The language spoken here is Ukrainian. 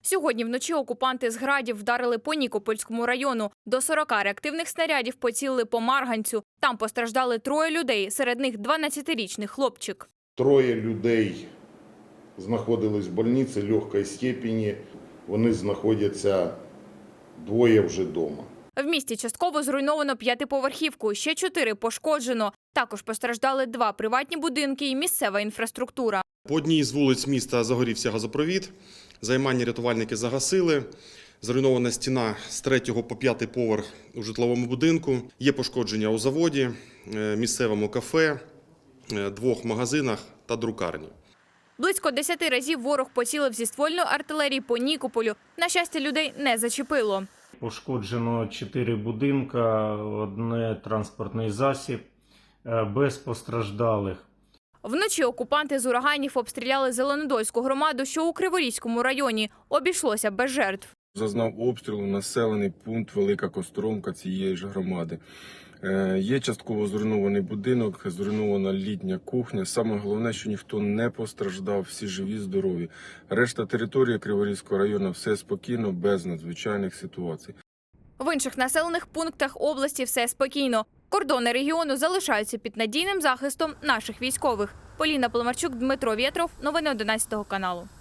Сьогодні вночі окупанти з градів вдарили по Нікопольському району. До 40 реактивних снарядів поцілили по Марганцю. Там постраждали 3 людей, серед них 12-річний хлопчик. 3 людей знаходились в больниці легкої степені. Вони знаходяться, 2 вже вдома. В місті частково зруйновано 5-поверхівку, ще 4 пошкоджено. Також постраждали 2 приватні будинки і місцева інфраструктура. По одній з вулиць міста загорівся газопровід, займання рятувальники загасили. Зруйнована стіна з 3-го по 5-й поверх у житловому будинку. Є пошкодження у заводі, місцевому кафе, 2 магазинах та друкарні. Близько 10 разів ворог поцілив зі ствольної артилерії по Нікополю. На щастя, людей не зачепило. Пошкоджено 4 будинка, 1 транспортний засіб, без постраждалих. Вночі окупанти з ураганів обстріляли Зеленодольську громаду, що у Криворізькому районі. Обійшлося без жертв. Зазнав обстрілу населений пункт Велика Костромка цієї ж громади. Є частково зруйнований будинок, зруйнована літня кухня. Саме головне, що ніхто не постраждав, всі живі, здорові. Решта території Криворізького району все спокійно, без надзвичайних ситуацій. В інших населених пунктах області все спокійно. Кордони регіону залишаються під надійним захистом наших військових. Поліна Поломарчук, Дмитро Вєтров. Новини 11 каналу.